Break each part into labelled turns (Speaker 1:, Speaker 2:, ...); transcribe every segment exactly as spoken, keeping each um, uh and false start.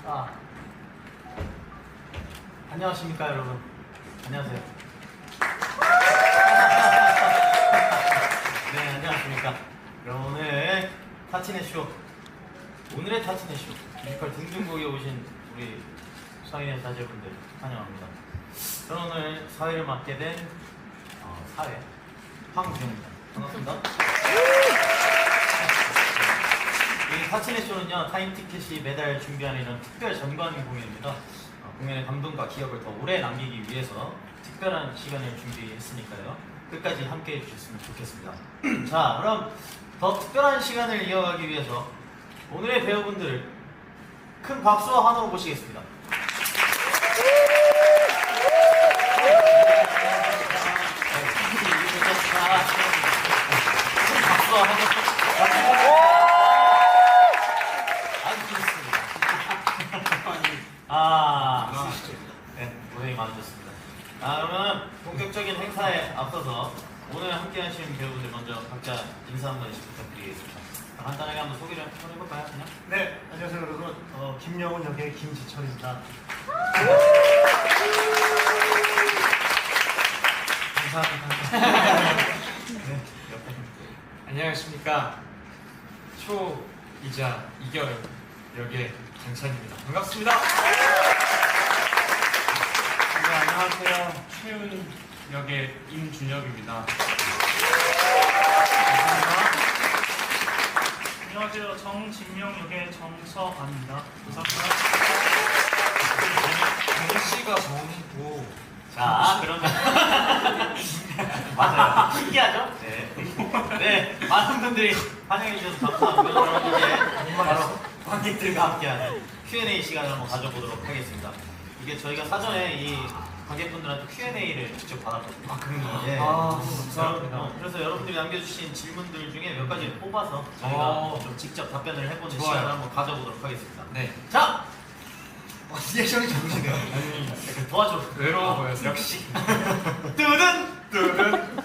Speaker 1: 아, 안녕하십니까 여러분. 안녕하세요. 네, 안녕하십니까. 여러분, 오늘 타치네 쇼, 오늘의 타치네 쇼 뮤지컬 등등곡에 오신 우리 사회의 자제분들 환영합니다. 저는 오늘 사회를 맡게 된 어, 사회 황우정입니다. 반갑습니다. 이 타치네 쇼는요, 타임티켓이 매달 좋게하는 이런 특별 전관 공연입니다. 어, 공연의 감동과 기억을 더 오래 남기기 위해서 특별한 시간을 준비했으니까요, 끝까지 함께 해주셨으면 좋겠습니다. 자, 그럼 더 특별한 시간을 이어가기 위해서 오늘의 배우분들을 큰 박수와 환호로 모시겠습니다. 큰 박수와 환호. 아, 네, 고생이 많으셨습니다. 아, 그러면 본격적인 행사에 앞서서 오늘 함께 하신 배우분들 먼저 각자 인사 한 번씩 부탁드리겠습니다. 간단하게 한번 소개를 한번 해볼까요, 그냥?
Speaker 2: 네, 안녕하세요 여러분. 어, 김영훈 역의 김지철입니다.
Speaker 1: 감사합니다. 네, 옆에.
Speaker 3: 안녕하십니까. 초이자 이결 역의 장찬입니다. 반갑습니다.
Speaker 2: 네, 안녕하세요.
Speaker 3: 최은 역의 임준혁입니다.
Speaker 2: 안녕하세요. 정진명 역의 정서아입니다. 감사합니다.
Speaker 3: 정씨가 정이고.
Speaker 1: 자, 그러면 맞아요. 신기하죠? 네. 네, 많은 분들이 환영해 주셔서 감사하고요. 그럼 이제 바로 관객들과 함께하는 큐 앤 에이 시간을 한번 가져보도록 하겠습니다. 이게 저희가 사전에 이 관객분들한테 큐 앤 에이를 직접 받았거든요.
Speaker 3: 아, 그런가요?
Speaker 1: 예.
Speaker 3: 아,
Speaker 1: 감사합니다. 어, 그래서 여러분들이 남겨주신 질문들 중에 몇 가지를 뽑아서 저희가
Speaker 3: 어.
Speaker 1: 좀 직접 답변을 해보는
Speaker 3: 좋아요.
Speaker 1: 시간을 한번 가져보도록 하겠습니다.
Speaker 3: 네.
Speaker 1: 자!
Speaker 2: 어, 리액션이 좋으시네요.
Speaker 3: 아니,
Speaker 1: 약간 도와줘.
Speaker 3: 외로워 보여서.
Speaker 1: 역시. 뜨든!
Speaker 3: 뚜른.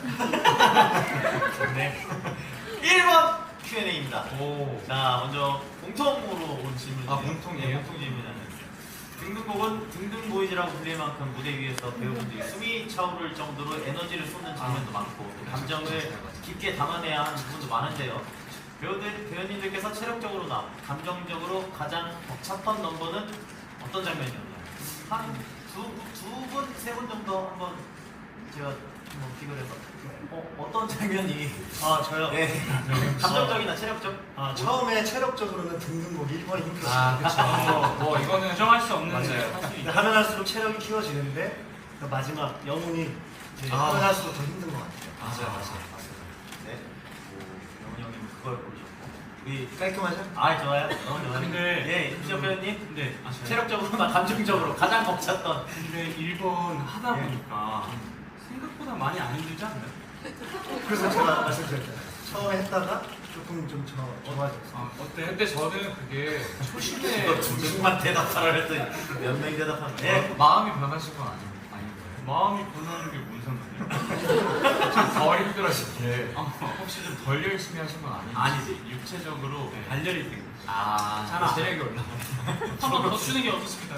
Speaker 1: 네. 일 번 큐 앤 에이입니다.
Speaker 3: 오.
Speaker 1: 자, 먼저 공통으로 온 질문이에요.
Speaker 3: 아, 공통이에요?
Speaker 1: 네, 공통 질문이라는. 등등곡은 등등 보이즈라고 불릴 만큼 무대 위에서 배우분들이 숨이 차오를 정도로 에너지를 쏟는 장면도 많고 또 감정을 깊게 담아내야 하는 부분도 많은데요. 배우들, 배우님들께서 체력적으로나 감정적으로 가장 벅찼던 넘버는 어떤 장면이었나요? 한 두, 두 분, 세 분 정도 한번 제가 한번 비교를 해서 어, 어떤 장면이
Speaker 2: 아, 저요?
Speaker 1: 네. 감정적이나 체력적?
Speaker 2: 아, 처음에 체력적으로는 등등곡 일 번이 힘들었어요.
Speaker 3: 아, 그쵸. 뭐, 뭐 이거는 정할 수 없는
Speaker 2: 맞아요.
Speaker 3: 데 할수
Speaker 2: 근데 하면 할수록 체력이 키워지는데 그 마지막 영훈이 이제
Speaker 3: 아.
Speaker 2: 하면 할수록 더 힘든 것 같아요.
Speaker 3: 맞아요, 맞아요.
Speaker 1: 네. 오, 영훈이 형님 그걸 고르셨고 우리
Speaker 2: 깔끔하죠?
Speaker 1: 아, 좋아요. 너무 좋아요.
Speaker 3: 근데-
Speaker 1: 예, 임시혁 배우님
Speaker 3: 네. 아, 저요?
Speaker 1: 체력적으로나 감정적으로 가장 벅찼던
Speaker 3: 근데 일 번 하다
Speaker 1: 예.
Speaker 3: 보니까 생각보다 많이 안 힘들지 않나요?
Speaker 2: 그래서 제가 말씀드렸잖아요. 처음에 했다가 조금 좀 저, 좋아졌어요.
Speaker 3: 아, 어때? 근데 저는 그게 초심에
Speaker 1: 이거 중심만 대답하라 했더니 몇 명이 대답하는 거예요? 예.
Speaker 3: 마음이 변하신 건 아니, 아닌 거예요? 마음이 변하는 게 무슨 상관이에요? 좀 덜 힘들어질 때 혹시 좀 덜 열심히 하신 건 아닌지?
Speaker 1: 아니지.
Speaker 3: 육체적으로
Speaker 1: 네.
Speaker 3: 발열이 된 거죠.
Speaker 1: 아,
Speaker 3: 잖아. 체력이 올라.
Speaker 4: 한번 더 쉬는 게 어떻습니까?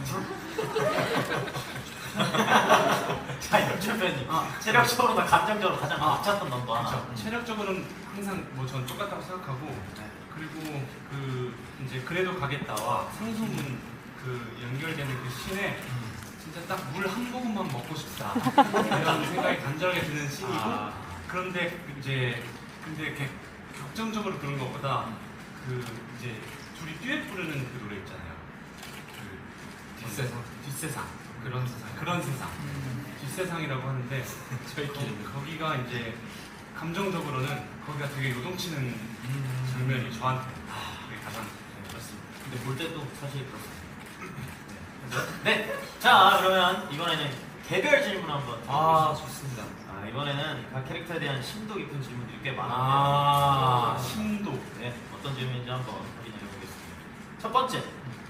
Speaker 1: 자, 임시혁 배우님 체력적으로나 감정적으로 가장 벅찼던 넘버 하나.
Speaker 3: 그렇죠. 체력적으로는 항상 뭐 전 똑같다고 생각하고
Speaker 1: 네.
Speaker 3: 그리고 그 이제 그래도 가겠다와 상소문 그 연결되는 그 씬에 진짜 딱 물 한 모금만 먹고 싶다 이런 생각이 간절하게 드는 씬이고
Speaker 1: 아.
Speaker 3: 그런데 이제 근데 이렇게 격정적으로 그런 것보다 그 이제 둘이 듀엣 부르는 그 노래 있잖아요. 그 뒷세상 뒷세상 그런 세상 그런 세상 뒷세상이라고 하는데 저희끼리 거기가 이제 감정적으로는 거기가 되게 요동치는 장면이 저한테 그게 가장 그렇습니다.
Speaker 1: 근데 볼 때도 사실 그렇습니다. 네. 자, 그러면 이번에는 개별 질문 한번
Speaker 3: 아,
Speaker 1: 드려보겠습니다.
Speaker 3: 좋습니다.
Speaker 1: 아, 이번에는 각 캐릭터에 대한 심도 깊은 질문들이 꽤 많은데
Speaker 3: 아, 심도.
Speaker 1: 네, 어떤 질문인지 한번 확인해 보겠습니다. 첫 번째,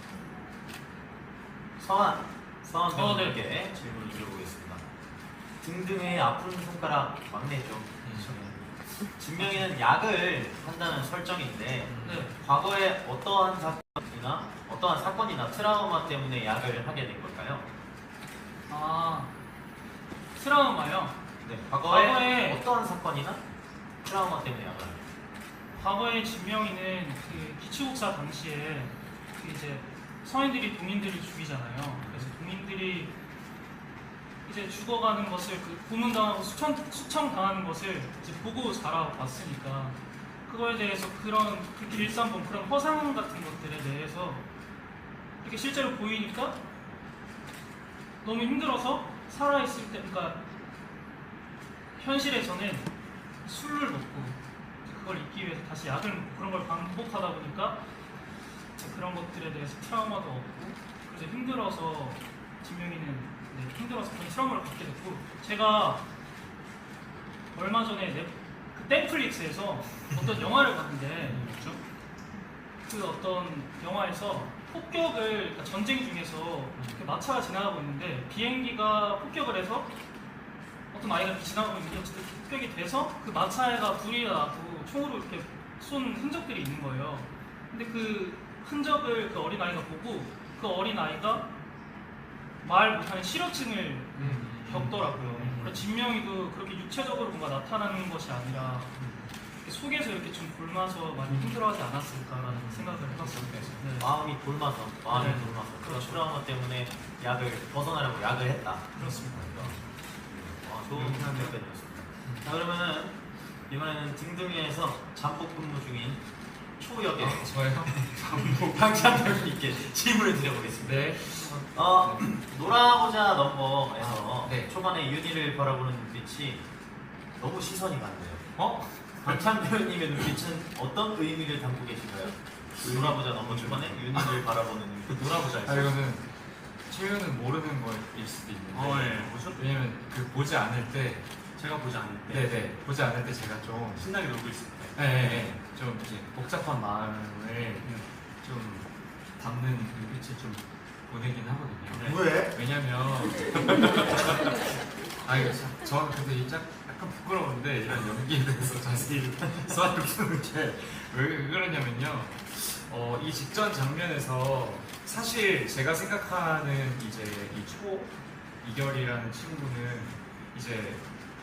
Speaker 1: 서한 서한 배우님께 질문을 드려보겠습니다. 등등의 아픈 손가락 막내죠. 네. 진명이는 약을 한다는 설정인데
Speaker 4: 네.
Speaker 1: 과거에 어떠한 사건이나 어떠한 사건이나 트라우마 때문에 약을 하게 된 걸까요?
Speaker 4: 아 트라우마요.
Speaker 1: 네, 과거에,
Speaker 4: 과거에-
Speaker 1: 어떠한 사건이나 트라우마 때문에 약을 하게
Speaker 4: 과거에 진명이는 그 기초국사 당시에 그 이제 서인들이 동인들을 죽이잖아요. 그래서 동인들이 이제 죽어가는 것을 그 고문당하고 수청, 수청당하는 것을 이제 보고 자라왔으니까 그거에 대해서 그런 그렇게 일상 본 그런 허상 같은 것들에 대해서 이렇게 실제로 보이니까 너무 힘들어서 살아있을 때, 그러니까 현실에서는 술을 먹고 그걸 잊기 위해서 다시 약을 먹고 그런 걸 반복하다 보니까 그런 것들에 대해서 트라우마도 없고 그래서 힘들어서 진명이는 네, 힘들어서 그런 트라우마를 받게 됐고 제가 얼마 전에 넷, 그 넷플릭스에서 어떤 영화를 봤는데
Speaker 3: 그렇죠?
Speaker 4: 그 어떤 영화에서 폭격을 그러니까 전쟁 중에서 그 마차가 지나가고 있는데 비행기가 폭격을 해서 어떤 아이가 이렇게 지나가고 있는데 어쨌든 폭격이 돼서 그 마차에가 불이 나고 총으로 이렇게 쏜 흔적들이 있는 거예요. 근데 그 흔적을 그 어린 아이가 보고 그 어린 아이가 말 못하는 실어증을 겪더라고요. 그래서 진명이도 그렇게 육체적으로 뭔가 나타나는 것이 아니라 이렇게 속에서 이렇게 좀 굶어서 많이 힘들어하지 않았을까라는 생각을 해봤습니다. 네.
Speaker 1: 마음이 굶어서 마음이
Speaker 4: 네.
Speaker 1: 굶어서 그
Speaker 4: 그렇죠.
Speaker 1: 트라우마 때문에 약을 벗어나려고 약을 했다.
Speaker 4: 그렇습니다.
Speaker 1: 아, 좋은 답변이었습니다. 자, 그러면은 이번에는 등등이에서 잠복 근무 중인 초역의
Speaker 3: 아, 저요?
Speaker 1: 강찬병님께 질문을 드려보겠습니다.
Speaker 3: 네.
Speaker 1: 어, 놀아보자 넘버에서
Speaker 3: 아, 네.
Speaker 1: 초반에 윤희를 바라보는 눈빛이 너무 시선이 많네요.
Speaker 3: 어?
Speaker 1: 강찬병님의 눈빛은 어떤 의미를 담고 계신가요? 놀아보자 넘버 초반에 윤희를 바라보는 눈빛. 놀아보자에서.
Speaker 5: 아 이거는 채윤은 모르는 거일 수도 있는데
Speaker 3: 어, 예. 뭐죠?
Speaker 5: 왜냐면 그 보지 않을 때
Speaker 3: 제가 보지 않을 때
Speaker 5: 네네 보지 않을 때 제가 좀
Speaker 3: 신나게 놀고 있을 때
Speaker 5: 네네 좀 이제 복잡한 마음을 좀 담는 눈빛을 좀 보내긴 하거든요.
Speaker 3: 네.
Speaker 2: 왜?
Speaker 5: 왜냐면 아 이거 참 저는 근데 이 짝- 약간 부끄러운데 이런 연기에 대해서 자세히 수화를 푸는 게 왜 그러냐면요. 어, 이 직전 장면에서 사실 제가 생각하는 이제 이 초 이결이라는 친구는 이제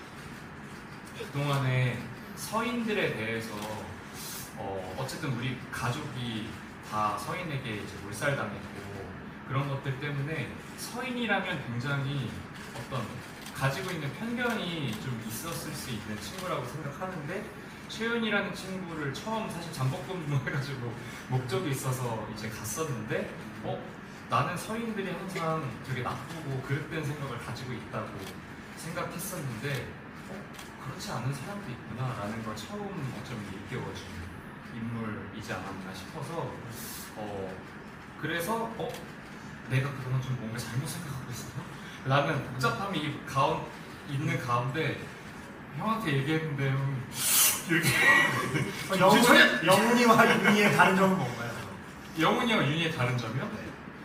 Speaker 5: 그동안에 서인들에 대해서 어, 어쨌든 우리 가족이 다 서인에게 이제 몰살당했고 그런 것들 때문에 서인이라면 굉장히 어떤 가지고 있는 편견이 좀 있었을 수 있는 친구라고 생각하는데 최윤이라는 친구를 처음 사실 잠복근무 해가지고 목적이 있어서 이제 갔었는데 어? 나는 서인들이 항상 되게 나쁘고 그릇된 생각을 가지고 있다고 생각했었는데 어? 그렇지 않은 사람도 있구나 라는 걸 처음 어쩌면 일깨워준 인물이지 않았나 싶어서 어 그래서 어? 내가 그동안 좀 뭔가 잘못 생각하고 있었나? 라는 복잡함이 이 가운, 있는 가운데 형한테 얘기했는데 형이 이렇게
Speaker 2: 어, 영훈, 영훈이와 윤희의 다른 점은 뭔가요?
Speaker 5: 영훈이와 윤희의 다른 점이요?
Speaker 2: 나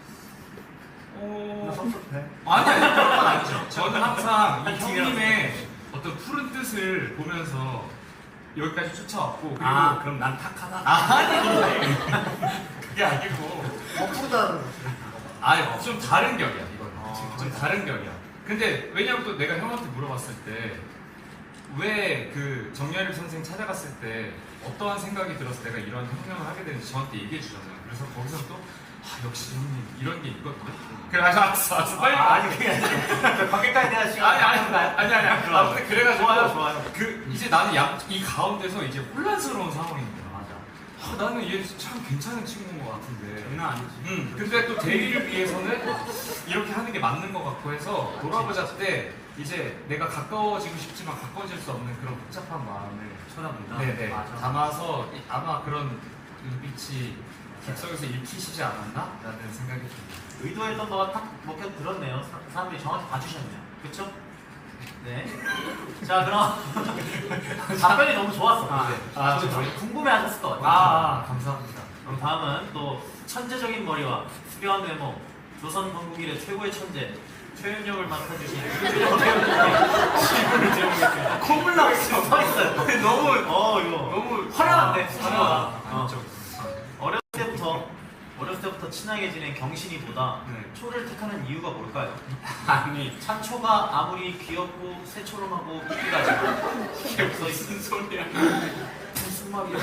Speaker 5: 어...
Speaker 2: 섭섭해.
Speaker 5: 아니 아니 그런 건 아니죠. 저는 항상 이 형님의 어떤 푸른 뜻을 보면서 여기까지 쫓아왔고 그리고
Speaker 3: 아 그럼 난 탁하다?
Speaker 5: 아니 그게 아니고
Speaker 2: 어, 푸르다는
Speaker 5: 아니 좀 다른 격이야 이건
Speaker 2: 아,
Speaker 5: 좀 다른 격이야. 근데 왜냐면 또 내가 형한테 물어봤을 때 왜 그 정렬일 선생 찾아갔을 때 어떠한 생각이 들어서 내가 이런 혁명을 하게 되는지 저한테 얘기해 주잖아요. 그래서 거기서 또 아, 역시 형님 이런 게 있거든요. 그래 알았어 알았어 빨리
Speaker 1: 아, 아니 그게 아니라 관계까지 대한 시간
Speaker 5: 아니 아니 아니 아니 아니 아무튼 그래가지고
Speaker 1: 좋아요 좋아요.
Speaker 5: 그 이제 나는 약, 이 가운데서 이제 혼란스러운 상황인 거야.
Speaker 1: 맞아.
Speaker 5: 아, 나는 얘 참 괜찮은 친구인 것 같은데.
Speaker 3: 장난 아니지.
Speaker 5: 음, 근데 또 대리를 위해서는 이렇게 하는 게 맞는 것 같고 해서 돌아보자 때 이제 내가 가까워지고 싶지만 가까워질 수 없는 그런 복잡한 마음을
Speaker 3: 쳐다본다.
Speaker 5: 네네
Speaker 1: 맞아.
Speaker 5: 담아서 아마 그런 눈빛이 객석에서 읽히시지 않았나? 라는 생각이 듭니다.
Speaker 1: 의도했던 거가 딱 먹혀 들었네요. 사, 사람들이 정확히 봐주셨네요. 그렇죠? 네. 자 그럼 답변이 너무 좋았어.
Speaker 3: 아,
Speaker 1: 근데.
Speaker 5: 아,
Speaker 1: 좀
Speaker 5: 정말요?
Speaker 1: 궁금해하셨을 것 같아요.
Speaker 5: 아, 아 감사합니다.
Speaker 1: 그럼 다음은 또 천재적인 머리와 수려한 외모, 조선 건국 이래 최고의 천재 표현력을 맡아주신 유준혁 배우님께 질문을 드려보겠습니다. 콧물 나왔어요. 서 있어요.
Speaker 3: 너무
Speaker 1: 어 이거
Speaker 3: 너무
Speaker 1: 화려한데.
Speaker 3: 화려하다.
Speaker 1: 어. 어렸을 때부터 어렸을 때부터 친하게 지낸 경신이보다
Speaker 3: 네.
Speaker 1: 초를 택하는 이유가 뭘까요?
Speaker 3: 아니
Speaker 1: 참초가 아무리 귀엽고 새초롬하고 이쁘다지만
Speaker 3: 이게 무슨 소리야?
Speaker 1: 무슨 말이야?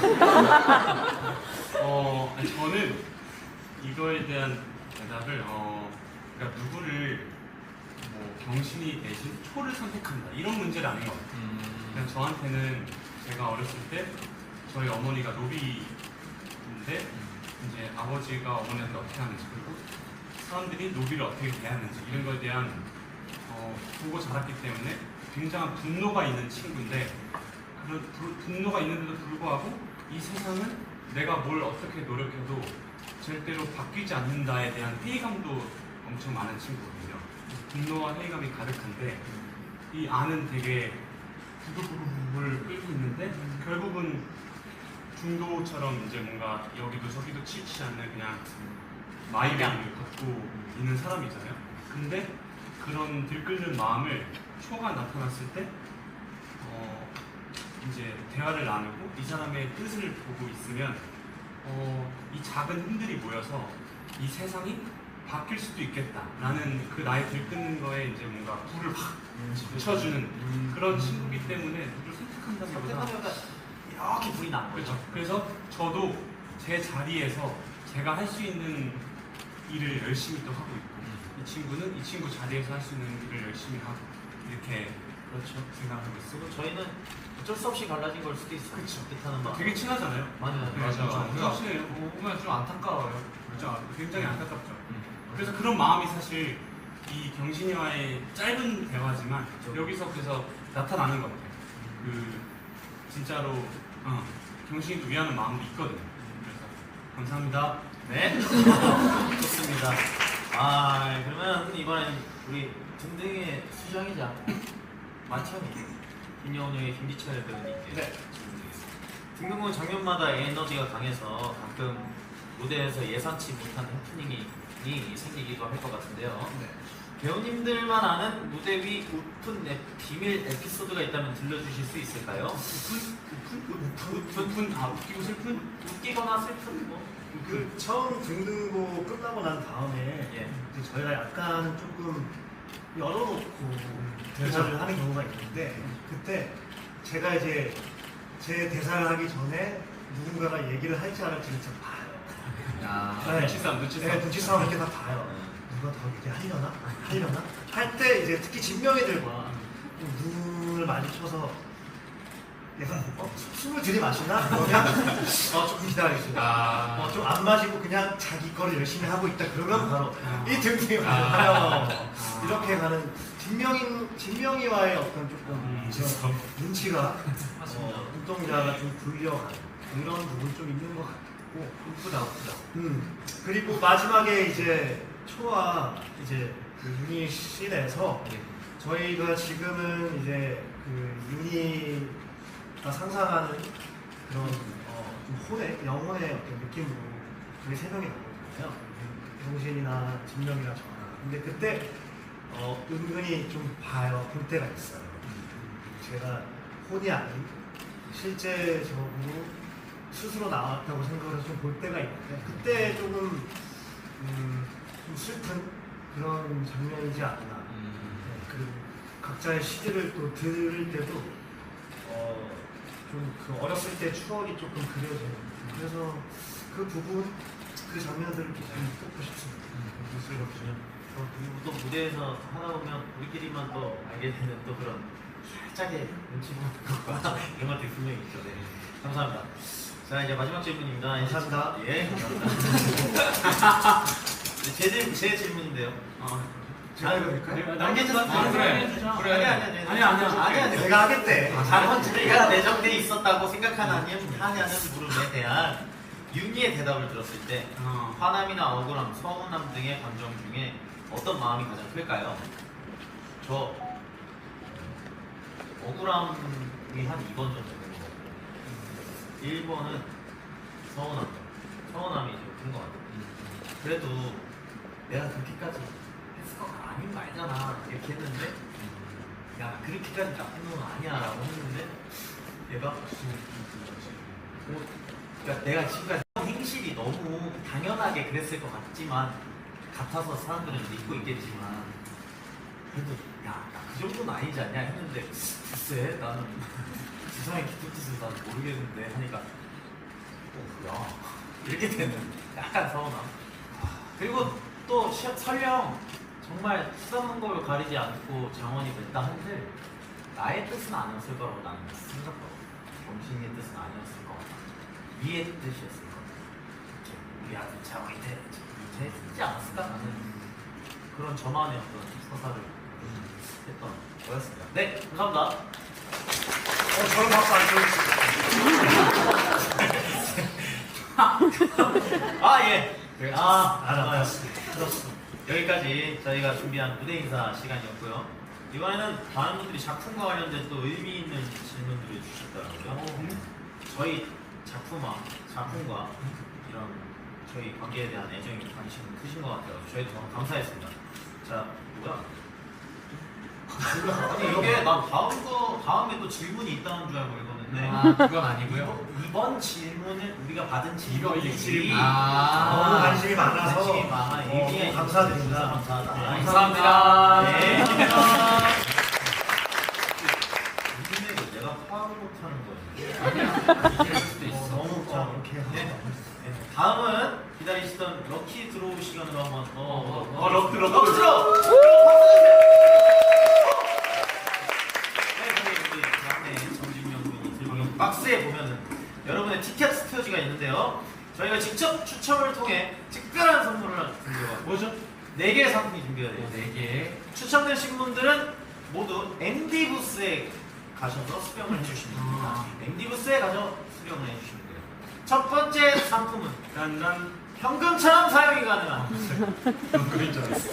Speaker 3: 어 아니, 저는 이거에 대한 대답을 어 그러니까 누구를 뭐 경신이 대신 초를 선택한다 이런 문제는 아닌 것 같아요.
Speaker 5: 음.
Speaker 3: 그냥 저한테는 제가 어렸을 때 저희 어머니가 노비인데 이제 아버지가 어머니한테 어떻게 하는지 그리고 사람들이 노비를 어떻게 대하는지 이런 거에 대한 어, 보고 자랐기 때문에 굉장한 분노가 있는 친구인데 그런 부- 분노가 있는데도 불구하고 이 세상은 내가 뭘 어떻게 노력해도 절대로 바뀌지 않는다에 대한 회의감도 엄청 많은 친구거든요. 분노와 회의감이 가득한데 이 안은 되게 부글부글 끓고 있는데 결국은 중도처럼 이제 뭔가 여기도 저기도 치치 않는 그냥 마이웨이를 걷고 있는 사람이잖아요. 근데 그런 들끓는 마음을 초가 나타났을 때 어, 이제 대화를 나누고 이 사람의 뜻을 보고 있으면 어, 이 작은 힘들이 모여서 이 세상이 바뀔 수도 있겠다라는 그 나의 들끓는 거에 이제 뭔가 불을 확 붙여주는 그런 친구기 때문에 누구를 선택한다기보다
Speaker 1: 선택하려다 이렇게 불이 난 거죠.
Speaker 3: 그렇죠. 그래서 저도 제 자리에서 제가 할 수 있는 일을 열심히 또 하고 있고 이 친구는 이 친구 자리에서 할 수 있는 일을 열심히 하고 이렇게
Speaker 1: 그렇죠.
Speaker 3: 생각하고 있어요.
Speaker 1: 그리고 저희는 어쩔 수 없이 갈라진 걸 수도 있어요.
Speaker 3: 그쵸.
Speaker 1: 뜻하는 마음.
Speaker 3: 되게 친하잖아요.
Speaker 1: 맞아요.
Speaker 3: 네,
Speaker 5: 맞아.
Speaker 3: 그렇죠.
Speaker 5: 우리가
Speaker 3: 친해요.
Speaker 5: 보면 좀 안타까워요.
Speaker 3: 그렇죠. 굉장히 안타깝죠.
Speaker 5: 음.
Speaker 3: 그래서 그런 마음이 사실 이 경신이와의 짧은 대화지만
Speaker 1: 그렇죠.
Speaker 3: 여기서 그래서 나타나는 것 같아요. 그 진짜로 어, 경신이도 위하는 마음도 있거든요. 그래서 감사합니다.
Speaker 1: 네. 좋습니다. 아 그러면 이번엔 우리 등등의 수장이자 마천이 김여운 형의 김기철 배우님께
Speaker 2: 네.
Speaker 1: 질문드리겠습니다. 등등은 장면마다 에너지가 강해서 가끔 무대에서 예상치 못한 해프닝이 생기기도 할 것 같은데요.
Speaker 2: 네.
Speaker 1: 배우님들만 아는 무대 위 웃픈 에, 비밀 에피소드가 있다면 들려주실 수 있을까요?
Speaker 3: 웃픈 아 웃기고 슬픈
Speaker 1: 웃기거나 슬픈 뭐.
Speaker 2: 그 처음 등등고 끝나고 난 다음에
Speaker 1: 예.
Speaker 2: 이제 저희가 약간 조금 열어놓고 대사를 하는 경우가 있는데 그때 제가 이제 제 대사를 하기 전에 누군가가 얘기를 할지 안 할지 진짜 봐요.
Speaker 5: 아,
Speaker 2: 네.
Speaker 3: 눈치싸움 눈치싸움
Speaker 2: 네, 눈치 싸움 이렇게 다 봐요. 누가 더 얘기하려나? 하려나? 할 때 이제 특히 진명이들과 눈을 마주쳐서 약간 어, 숨을 들이마시나? 그러면 어, 조금 기다리겠습니다.
Speaker 5: 아.
Speaker 2: 어, 좀 안 마시고 그냥 자기 거를 열심히 하고 있다 그러면 바로
Speaker 3: 아.
Speaker 2: 이 등등이 와요. 이렇게 가는 진명이, 진명이와의 어떤 조금
Speaker 3: 음,
Speaker 2: 제 눈치가
Speaker 1: 맞습니다.
Speaker 2: 어, 눈동자가 좀 굴려가는 그런 부분이 좀 있는 것 같고
Speaker 1: 웃프다 웃프다.
Speaker 2: 음, 그리고 마지막에 이제 초와 이제 그 유닛 씬에서 저희가 지금은 이제 그 유닛가 상상하는 그런 어, 좀 혼의 영혼의 어떤 느낌으로 저희 세 명이 나거든요. 정신이나 진명이나 저나. 근데 그때 어, 은근히 좀 봐요. 볼 때가 있어요. 제가 혼이 아닌 실제적으로 스스로 나왔다고 생각을 해서 좀 볼 때가 있는데 그때 조금 음, 좀 슬픈 그런 장면이지 않나. 네, 그리고 각자의 시들을 또 들을 때도 어, 좀 그 어렸을 때 추억이 조금 그려져요. 그래서 그 부분, 그 장면들을 좀 뽑고 싶습니다.
Speaker 1: 그렇군요. 어, 그리고 또 무대에서 하다 보면 우리끼리만 또 알게 되는 또 그런 살짝의 눈치 보는 것과 이런 것들이 분명히 있죠. 네. 감사합니다. 자 이제 마지막 질문입니다.
Speaker 2: 감사합니다.
Speaker 1: 예, 감사합니다. 네, 제, 질- 제 질문인데요.
Speaker 3: 어,
Speaker 2: 제가 해도 될까요?
Speaker 1: 남겨주세요.
Speaker 5: 아, 그래.
Speaker 1: 그래. 아니 아니 아니
Speaker 3: 아니, 아니, 아니.
Speaker 1: 아니 아니.
Speaker 2: 내가 하겠대.
Speaker 1: 잘못 자리가 내정돼 있었다고 생각하냐는 하냐는 물음에 대한 윤희의 대답을 들었을 때
Speaker 3: 어.
Speaker 1: 화남이나 억울함, 서운함 등의 감정 중에 어떤 마음이 가장 클까요? 저 억울함이 한 이 번 정도 되는 것 같아요. 일 번은 서운함. 서운함이 좀 큰 것 같아요. 그래도 내가 그렇게까지 스커가 아닌 거 알잖아 이렇게 했는데 야 그렇게까지 나쁜 놈은 아니야 라고 했는데 얘가 뭐, 그러니까 내가 지금까지 행실이 너무 당연하게 그랬을 것 같지만 같아서 사람들은 믿고 있겠지만 그래도 야그 정도는 아니지 않냐 했는데 글쎄 나는 세상의 깊은 뜻을 나는 모르겠는데 하니까 어 야 이렇게 되는 약간 서운함. 그리고 또 시- 설령 정말 수상한 걸 가리지 않고 장원이 됐다 한들 나의 뜻은 아니었을 거라고 나는 생각하고 정신의 뜻은 아니었을 것 같아. 이의 뜻이었을 것 같아. 우리 아들 장원이 돼 됐지 않았을까 하는 그런 저만의 어떤 서사를 했던 거였습니다. 네, 감사합니다.
Speaker 2: 어, 저런 박수 안 쳐주시죠.
Speaker 1: 아 예. 아,
Speaker 2: 알았어.
Speaker 1: 들었어. 여기까지 저희가 준비한 무대 인사 시간이었고요. 이번에는 많은 분들이 작품과 관련된 또 의미 있는 질문들을 주셨더라고요. 저희 작품과 작품과 이런 저희 관계에 대한 애정이 관심이 크신 것 같아요. 저희도 너무 감사했습니다. 자, 뭐야? 아니 이게 난 다음 거 다음에 또 질문이 있다는 줄 알고 읽었는데
Speaker 5: 아 그건 아니고요.
Speaker 1: 이번 질문을 우리가 받은
Speaker 5: 이거 이
Speaker 1: 질문이
Speaker 5: 질문.
Speaker 2: 너무
Speaker 5: 아
Speaker 2: 관심이 많아서
Speaker 1: 관심이 많아.
Speaker 2: 어,
Speaker 1: 이게
Speaker 2: 감사드립니다.
Speaker 1: 감사하다.
Speaker 2: 네,
Speaker 5: 감사합니다.
Speaker 1: 네.
Speaker 4: 감사합니다.
Speaker 1: 요즘에 내가 파악을 못하는 거예요.
Speaker 5: 이럴 수도
Speaker 2: 어,
Speaker 5: 있어.
Speaker 2: 너무 자, 이렇게
Speaker 1: 네.
Speaker 2: 하다.
Speaker 1: 네. 다음은 기다리시던 럭키 드로우 시간으로 한번 더.
Speaker 5: 어,
Speaker 1: 어,
Speaker 2: 럭키, 럭키.
Speaker 1: 럭키 드로우. 네, 저희 우리 막내 정진명 군이 들고 있는 박스에 보면은 여러분의 티켓 스토어지가 있는데요. 저희가 직접 추첨을 통해 특별한 선물을 준비해요.
Speaker 3: 뭐죠?
Speaker 1: 네 개의 상품이 준비가 돼요.
Speaker 5: 네 개.
Speaker 1: 추첨되신 분들은 모두 엠디 부스에 가셔서 수령을 해주시면 됩니다. 엠디 부스에 가서 수령을 해주시면 돼요. 첫 번째 상품은
Speaker 3: 난
Speaker 1: 현금처럼 사용이 가능한
Speaker 3: 그런 줄 알았어.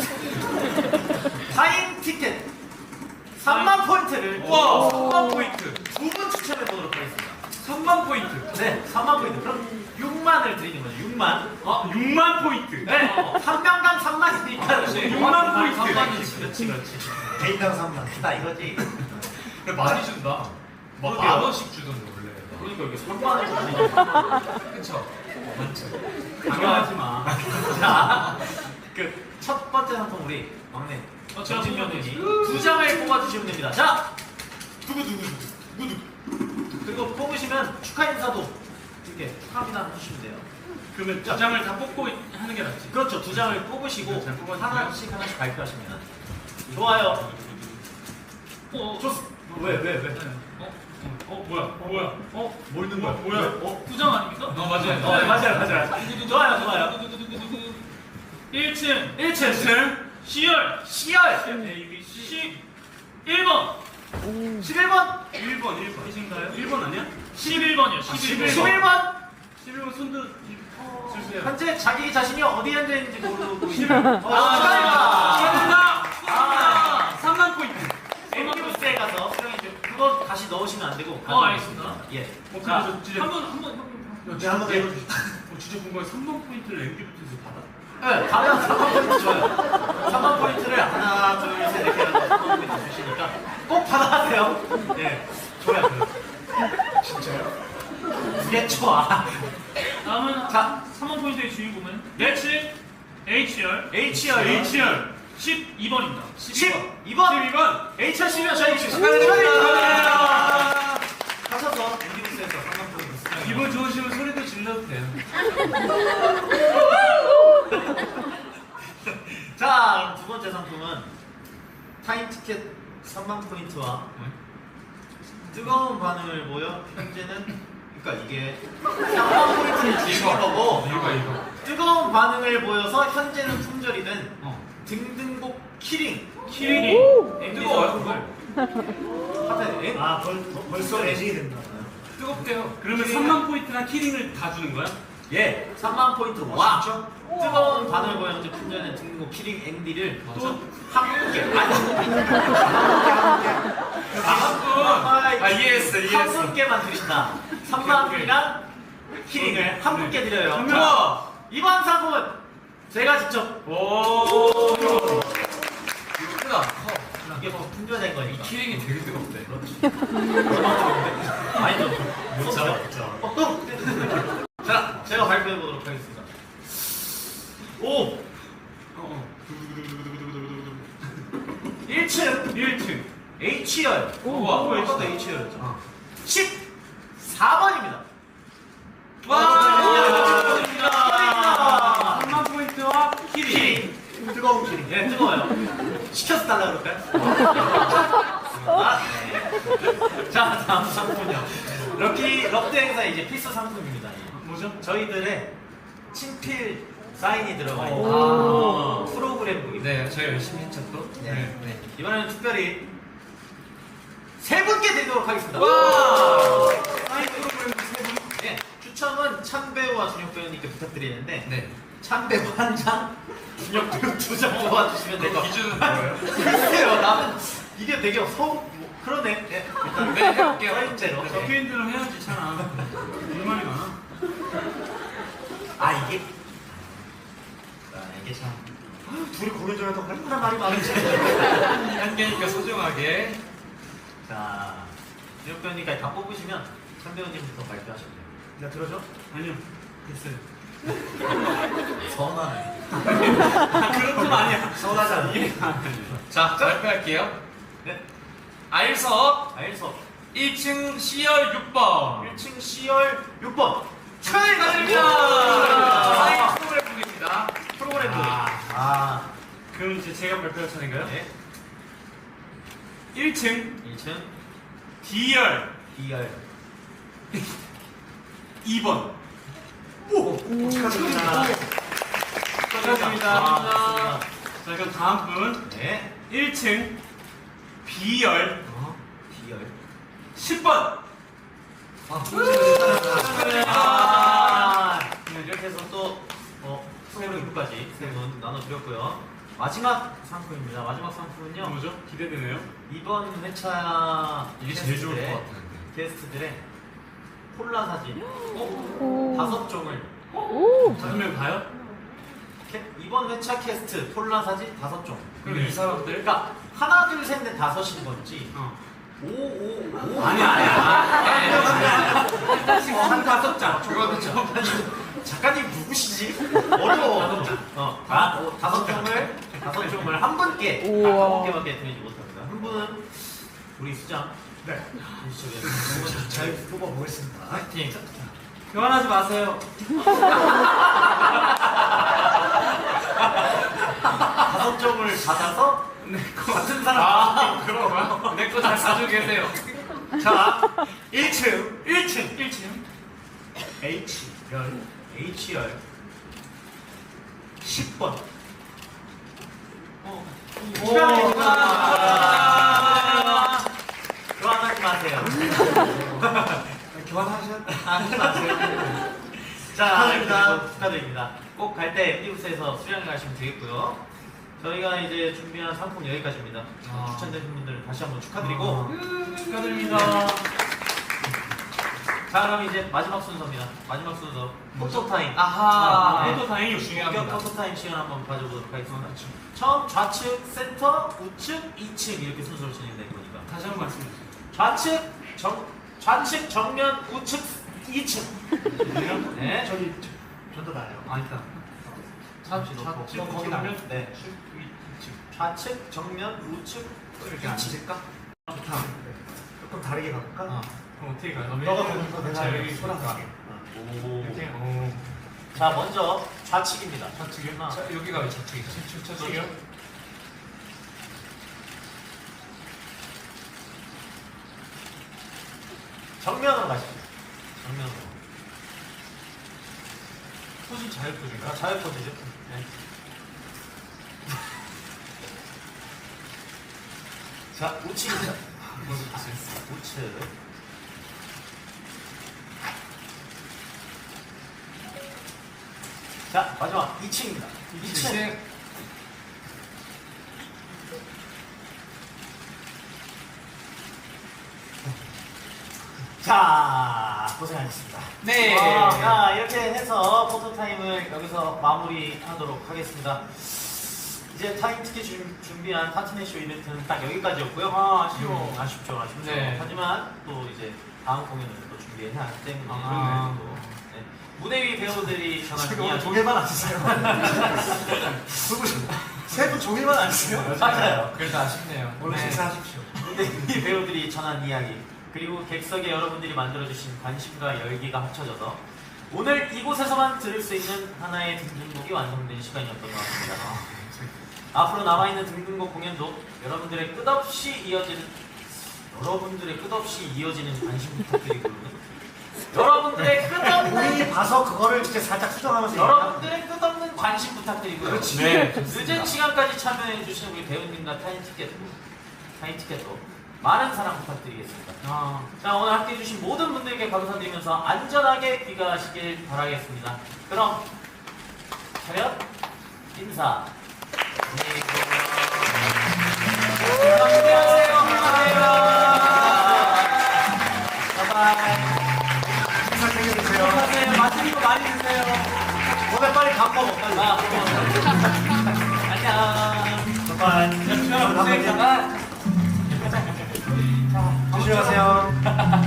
Speaker 1: 타임 티켓 삼만 포인트를
Speaker 3: 와, 삼만 포인트.
Speaker 1: 두 분 추첨해 보도록 하겠습니다.
Speaker 3: 삼만 포인트.
Speaker 1: 네, 삼만 포인트. 그럼 육만을 드리는 거죠. 육만.
Speaker 3: 아, 육만 포인트.
Speaker 1: 네, 한 명당 삼만이니까
Speaker 3: 육만 포인트.
Speaker 1: 그렇지, 그렇지, 그렇지.
Speaker 2: 개인당 삼만.
Speaker 1: 나 이거지.
Speaker 3: 그래, 많이 준다. 막
Speaker 1: 그러게요.
Speaker 3: 만 원씩 주던데 원래.
Speaker 1: 그러니까 이게 삼만을 드리니까.
Speaker 3: 그쵸? 많죠.
Speaker 1: 강요하지 마. 자, 그 첫 번째 상품 우리 막내
Speaker 4: 어, 제가
Speaker 1: 정진명님이 두 장을 뽑아주시면 됩니다. 자, 누구 누구 누구 누구 그리고 뽑으시면 축하 인사도 이렇게 축하합니다 해주시면 돼요.
Speaker 3: 그러면 두 장을 다 뽑고 하는 게 낫지.
Speaker 1: 그렇죠. 두 장을 뽑으시고
Speaker 3: 잘 뽑아주세요.
Speaker 1: 하나씩 하나씩 발표하시면 좋아요.
Speaker 4: 어,
Speaker 1: 좋습니다. 왜 왜 왜?
Speaker 4: 어?
Speaker 3: 어, 뭐야? 어, 뭐야?
Speaker 1: 어? 뭘 넣은
Speaker 3: 거야?
Speaker 1: 뭐야? 어?
Speaker 4: 부장 아닙니까?
Speaker 3: 어, 맞아요.
Speaker 1: 어, 맞아요, 맞아요. 좋아요, 좋아요.
Speaker 4: 일 층
Speaker 1: 일 층
Speaker 4: C열
Speaker 1: C열
Speaker 3: A, B, C.
Speaker 4: 십일 번
Speaker 1: 십일 번
Speaker 3: 일 번, 일 번.
Speaker 4: 이신가요?
Speaker 3: 일 번 아니야?
Speaker 4: 십일 번이요. 십일 번.
Speaker 1: 십일 번
Speaker 3: 십일 번 손도 주세요.
Speaker 1: 현재 자기 자신이 어디에 앉아있는지 모르고 있는
Speaker 3: 아,
Speaker 1: 축하합니다.
Speaker 3: 축하합니다.
Speaker 1: 아,
Speaker 3: 삼만 포인트.
Speaker 1: 엠디부스에 가서 수령해 주 그거 다시 넣으시면 안 되고
Speaker 4: 어,
Speaker 1: 가져오시면
Speaker 4: 알겠습니다.
Speaker 1: 됩니다. 예.
Speaker 3: 어,
Speaker 1: 자,
Speaker 3: 그래서 진짜
Speaker 4: 한 번, 한 번, 한 번.
Speaker 2: 네, 한번 더 해주시죠.
Speaker 3: 어, 진짜 궁금해. 삼만 포인트를 엠디부트에서 받아?
Speaker 1: 네, 가면 삼만 포인트 줘요. 삼만 포인트를 하나, 둘, 셋 이렇게 해서 삼만 포인트 주시니까 꼭 받아가세요. 예, 줘요. 진짜요? 그게 좋아.
Speaker 4: 다음은
Speaker 1: 자,
Speaker 4: 삼 번 포인트의 주인공은 일 층 H열
Speaker 1: H열,
Speaker 3: H열.
Speaker 4: 십이 번입니다.
Speaker 1: 십이 번.
Speaker 3: 십이 번.
Speaker 1: H열 씨면 저희
Speaker 3: 축하드립니다.
Speaker 1: 가셔서 엠디부스에서 삼만 포인트 수령해요.
Speaker 3: 기분 좋으시면 소리도 질러도 돼요.
Speaker 1: 자, 그럼 두 번째 상품은 타임 티켓 삼만 포인트와 뜨거운 반응을 보여 현재는 그러니까 이게 삼만 포인트를 주신 거고
Speaker 3: 이거, 이거.
Speaker 1: 뜨거운 반응을 보여서 현재는 품절이 된
Speaker 3: 어.
Speaker 1: 등등복 키링
Speaker 4: 키링이
Speaker 3: 뜨거워요,
Speaker 1: 하트
Speaker 2: 아, 벌, 벌- 벌써 애증이 된다.
Speaker 3: 뜨겁대요. 그러면 삼만 포인트나 키링을 다 주는 거야?
Speaker 1: 예, 삼만 포인트와 뜨거운 반응을 보여 현재 품절된 등등복 키링 엠디를 또 한 분께 아니
Speaker 3: 아, 한 분. 아, 이해했어,
Speaker 1: 한
Speaker 3: 이해했어.
Speaker 1: 분께만 드린다. 삼만 원이랑 키링을 한 분께 드려요.
Speaker 3: 한
Speaker 1: 자,
Speaker 3: 명.
Speaker 1: 이번 상품은 제가 직접
Speaker 3: 오. 크다. 커.
Speaker 1: 이게 뭐 분별된 거니까.
Speaker 3: 키링이 되게 뜨겁대.
Speaker 1: 많이 좀.
Speaker 2: 못 잡아, 못 잡아.
Speaker 1: 자, 제가 발표해 보도록 하겠습니다. 오,
Speaker 3: 어, 어.
Speaker 1: 일 층
Speaker 3: 일 층.
Speaker 1: H열.
Speaker 3: 우와.
Speaker 1: 오, 아까도 H열이었죠. 십사 번입니다.
Speaker 3: 와,
Speaker 1: 축하드립니다.
Speaker 3: 삼만 포인트와 키링.
Speaker 1: 키링.
Speaker 2: 뜨거운 키링.
Speaker 1: 예, 뜨거워요. 시켜서 달라 그럴까요? 아, 네. 자, 다음 상품은요. 럭키 럭드 행사 이제 필수 상품입니다.
Speaker 3: 뭐죠?
Speaker 1: 저희들의 친필 사인이 들어가 있는
Speaker 3: 오.
Speaker 1: 프로그램북입니다.
Speaker 3: 네, 저희 열심히 했죠 또.
Speaker 1: 네. 네. 이번에는 특별히 세 분께 드리도록 하겠습니다.
Speaker 3: 와!
Speaker 1: 사인 프로그램북 세 분. 네. 추첨은 찬배우와 준혁 배우님께 부탁드리는데
Speaker 3: 네.
Speaker 1: 찬배우 한 장, 준혁 배우 두 장 모아주시면 될 것 같아요.
Speaker 3: 기준은 뭐예요?
Speaker 1: 글쎄요, 나는 이게 되게 서 뭐, 그러네. 네. 일단
Speaker 3: 네, 해볼게요.
Speaker 1: 사인대로.
Speaker 3: 네.
Speaker 1: 네.
Speaker 3: 인들은 해야지 잖아. 얼마나 많아?
Speaker 1: 아 이게 아, 이게 참
Speaker 2: 둘이 공연 중에 또
Speaker 1: 얼마나 말이 많은지.
Speaker 3: 한 개니까 소중하게.
Speaker 1: 자, 준혁 배우님까지 다 뽑으시면 찬 배우님부터 발표하시면 돼요.
Speaker 2: 나 들어줘?
Speaker 3: 아니요. 됐어요.
Speaker 1: 서운하네.
Speaker 3: 그런 건 아니야.
Speaker 2: 서운하지 않아?
Speaker 3: 자, 발표할게요.
Speaker 1: 네.
Speaker 3: 알석
Speaker 1: 알석
Speaker 3: 일 층 C열 육 번.
Speaker 1: 일 층 C열 육 번 축하드립니다.
Speaker 3: 사인 프로그램북입니다.
Speaker 1: 프로그램 부
Speaker 3: 아.
Speaker 1: 아,
Speaker 3: 그럼 이제 제가 발표할 차례인가요?
Speaker 1: 네.
Speaker 3: 일 층
Speaker 1: 일 층
Speaker 3: D열
Speaker 1: D열
Speaker 3: 이 번.
Speaker 2: 오! 축하드립니다.
Speaker 3: 축하드립니다.
Speaker 1: 아,
Speaker 3: 자, 그럼 다음 분
Speaker 1: 네.
Speaker 3: 일 층 B열
Speaker 1: 어, D열
Speaker 3: 십 번.
Speaker 1: 아, 네, 이렇게 해서 또 어, 새로 이부까지 세 분 나눠드렸고요. 마지막 상품입니다. 마지막 상품은요.
Speaker 3: 뭐죠? 기대되네요.
Speaker 1: 이번 회차
Speaker 3: 이게 제일 좋을 것
Speaker 1: 게스트들의-
Speaker 3: 같은데.
Speaker 1: 게스트들의 콜라 사진
Speaker 6: 오.
Speaker 1: 다섯 종을
Speaker 6: 오.
Speaker 3: 다섯 명 가요?
Speaker 1: 캐- 이번 회차 캐스트 콜라 사진 다섯 종.
Speaker 3: 그럼 이 사람들?
Speaker 1: 그러니까 하나 둘 셋 넷 다섯인 건지
Speaker 3: 어.
Speaker 1: 오오오
Speaker 3: 아니야, 아니야.
Speaker 1: 한 다섯 장.
Speaker 3: 그거는 좀.
Speaker 1: 작가님 누구시지? 어려워. 어, 다, 어, 다섯 종을 다섯 종을 한 분께
Speaker 6: 우와.
Speaker 1: 다섯 개밖에 드리지 못합니다. 한 분은 우리 수장.
Speaker 2: 네.
Speaker 1: 보시죠.
Speaker 2: 잘 뽑아보겠습니다.
Speaker 1: 파이팅.
Speaker 3: 교환하지 마세요.
Speaker 1: 다섯 종을 받아서 같은 사람.
Speaker 3: 아, 그런 거야? 내 거 잘 사주고 계세요.
Speaker 1: 자, 일 층, 일 층,
Speaker 4: 일 층
Speaker 2: H열
Speaker 1: H열 십 번. 어.
Speaker 3: 오.
Speaker 1: 축하드립니다. 교환하지 마세요.
Speaker 2: 교환하셔?
Speaker 1: 하지 마세요. 자, 축하드립니다. 축하드립니다. 꼭 갈 때 엠디부스에서 수령해 가시면 되겠고요. 저희가 이제 준비한 상품 여기까지입니다.
Speaker 3: 아.
Speaker 1: 추천되신 분들 다시 한번 축하드리고
Speaker 3: 아.
Speaker 1: 축하드립니다. 자, 그럼 이제 마지막 순서입니다. 마지막 순서 포토 타임.
Speaker 3: 아하.
Speaker 1: 네.
Speaker 3: 포토 타임이
Speaker 1: 본격
Speaker 3: 중요합니다.
Speaker 1: 포토 타임 시간 한번 가져보도록 하겠습니다.
Speaker 3: 아, 그렇죠.
Speaker 1: 처음 좌측, 센터, 우측, 이층 이렇게 순서로 진행될 거니까.
Speaker 3: 다시 한 번 말씀해 주세요.
Speaker 1: 좌측, 정, 좌측, 정면, 우측, 이층. 네.
Speaker 2: 저기 저도 나요.
Speaker 3: 아니다.
Speaker 1: 좌측,
Speaker 3: 좌측,
Speaker 1: 거기
Speaker 3: 거기
Speaker 1: 나면
Speaker 3: 나면
Speaker 1: 네. 좌측, 정면, 우측,
Speaker 3: 이렇게 앉을까?
Speaker 2: 좋다. 조금 다르게 가볼까?
Speaker 1: 어.
Speaker 3: 그럼 어떻게 가요?
Speaker 2: 너가 보는 거 내가
Speaker 3: 자, 여기
Speaker 2: 손아서
Speaker 1: 오.
Speaker 3: 이렇게. 오.
Speaker 1: 자, 먼저 좌측입니다.
Speaker 3: 좌측이요?
Speaker 1: 하나.
Speaker 3: 자, 여기가 왜 좌측이죠? 좌측이요?
Speaker 1: 정면으로 가시죠. 정면으로.
Speaker 3: 포즈 자유 포즈인가?
Speaker 1: 아, 자유 포즈죠. 네. 자, 우측입니다.
Speaker 3: 먼저 보세요.
Speaker 1: 우측. 자, 마지막 이층입니다. 이층.
Speaker 3: 이층.
Speaker 1: 자, 고생하셨습니다.
Speaker 3: 네.
Speaker 1: 자, 이렇게 해서 포토타임을 여기서 마무리하도록 하겠습니다. 이제 타임티켓 준- 준비한 파트너쇼 이벤트는 딱 여기까지였고요.
Speaker 3: 아, 아쉬워.
Speaker 1: 음, 아쉽죠, 아쉽죠.
Speaker 5: 네.
Speaker 1: 하지만 또 이제 다음 공연을 또 준비해야 하기 때문에
Speaker 3: 아,
Speaker 1: 또, 네. 무대 위 배우들이 전한
Speaker 2: 지금 오늘
Speaker 1: 이야기
Speaker 2: 종일만 안 쓰세요. 세분 종일만 안 쓰세요.
Speaker 1: 맞아요.
Speaker 5: 그래서 아쉽네요.
Speaker 2: 오늘
Speaker 1: 네.
Speaker 2: 식사하십시오.
Speaker 1: 무대 위 배우들이 전한 이야기 그리고 객석에 여러분들이 만들어주신 관심과 열기가 합쳐져서 오늘 이곳에서만 들을 수 있는 하나의 등등곡이 완성된 시간이었던 것 같습니다. 앞으로 남아있는 등등곡 공연도 여러분들의 끝없이 이어지는 여러분들의 끝없이 이어지는 관심 부탁드리고요. 여러분들의 끝없는
Speaker 2: 우리 봐서 그거를 진짜 살짝 수정하면서
Speaker 1: 여러분들의 끝없는 관심 부탁드리고요.
Speaker 2: 그렇지.
Speaker 5: 네,
Speaker 1: 늦은 시간까지 참여해주신 우리 배우님과 타임티켓 타임티켓도 많은 사랑 부탁드리겠습니다.
Speaker 3: 아,
Speaker 1: 자, 오늘 함께해주신 모든 분들께 감사드리면서 안전하게 귀가하시길 바라겠습니다. 그럼 차렷 인사. 안녕히 계세요. 안녕하세요. 바이바이.
Speaker 2: 식사 챙겨주세요.
Speaker 1: 안녕하세요. 맛있는 거 많이 드세요.
Speaker 2: 오늘 빨리 밥 먹어. 빨리.
Speaker 1: 아, 안녕.
Speaker 2: 바이바이.
Speaker 1: 여러분,
Speaker 2: 조심히 가세요.